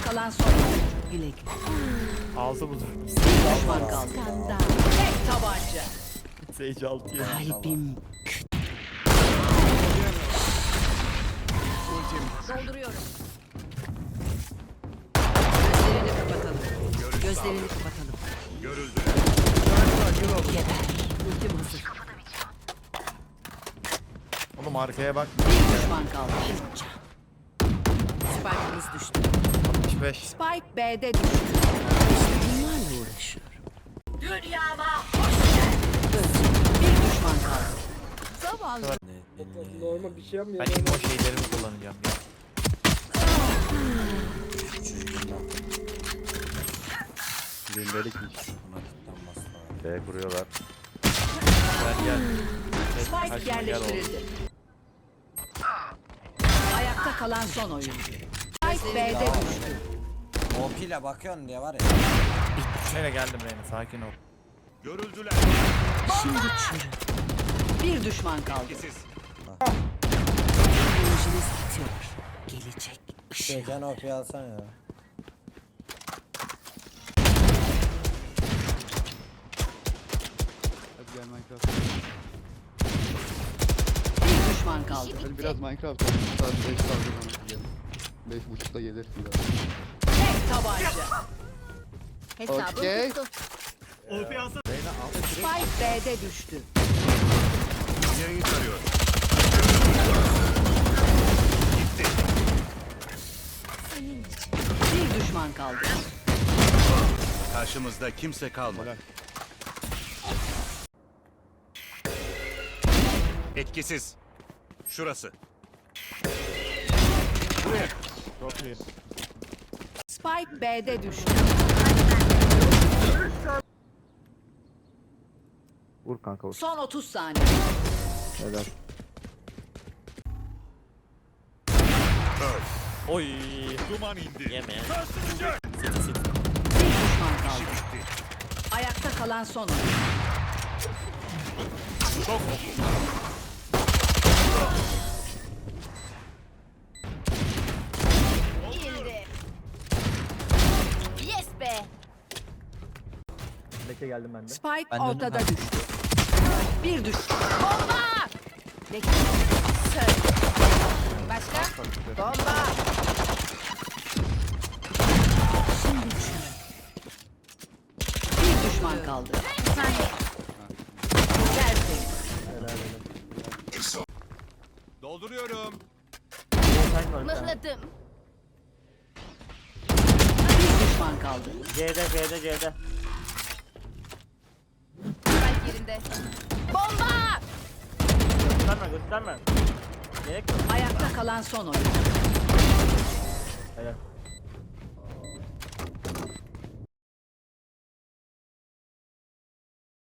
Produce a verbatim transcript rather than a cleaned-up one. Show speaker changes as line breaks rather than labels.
kalan son oyuncu. Güle güle.
Ağzı budur.
Bir düşman kaldı. Tek tabanca.
Sage altı yedi.
Kalbim dolduruyorum. Gözlerini kapatalım. Gözlerini kapatalım.
Görüldü.
Geber. Ultim hazır.
Oğlum arkaya bak.
Bir düşman kaldı. Spike'ımız düştü.
altmış beş.
Spike B'de düştü. İşte bunlarla uğraşıyorum. Dünyama hoş geldin. Bir düşman kaldı. Zavallı.
Normal bir şey yapmıyor.
Ben immo şeylerimi kullanacağım ya.
Gündelik iş. B kuruyorlar.
Gel gel.
Spike
Kaçma, gel
yerleştirildi. Ayakta kalan son oyuncu. Spike B'de düştü.
O pile bakıyorsun diye var ya.
Şöyle geldim Reyna, sakin ol.
Görüldüler.
Şimdi çürü. Bir düşman kaldı.
Siz.
Enerjiniz bitiyor. Gelecek ışık.
Şeyden O P alsan ya.
Hadi gel Minecraft.
Bir düşman kaldı.
Hadi biraz Minecraft oynayalım. Saat beş kaldı. beş buçukta gelirsin zaten.
Tek tabanca.
Hesabım
Okey.
tuttu.
Spike B'de düştü.
Yayın tarıyor.
Bir düşman kaldı.
Karşımızda kimse kalmadı. Etkisiz. Şurası. Buraya.
Çok iyi.
Spike B'de düştü.
Vur kanka vur.
Son otuz saniye.
Helal.
Oy.
Duman indi.
Yeme.
Sarsılacak.
Bir düşman kaldı. Ayakta kalan son oyuncu.
Çok
İyiydi. Yes be.
Bekle geldim ben de.
Spike ortada düştü. Bir düştü.
Bomba. Bekle. Söyle. Başka? Bomba.
Şimdi çürü. Bir düşman kaldı.
Bir saniye.
Tertemiz.
dolduruyorum.
Mıhladım.
Bir düşman kaldı.
C'de C'de C'de.
Spike yerinde. Bomba.
Gösterme gösterme. Gerek yok.
Ayakta kalan son oyuncu.
Helal.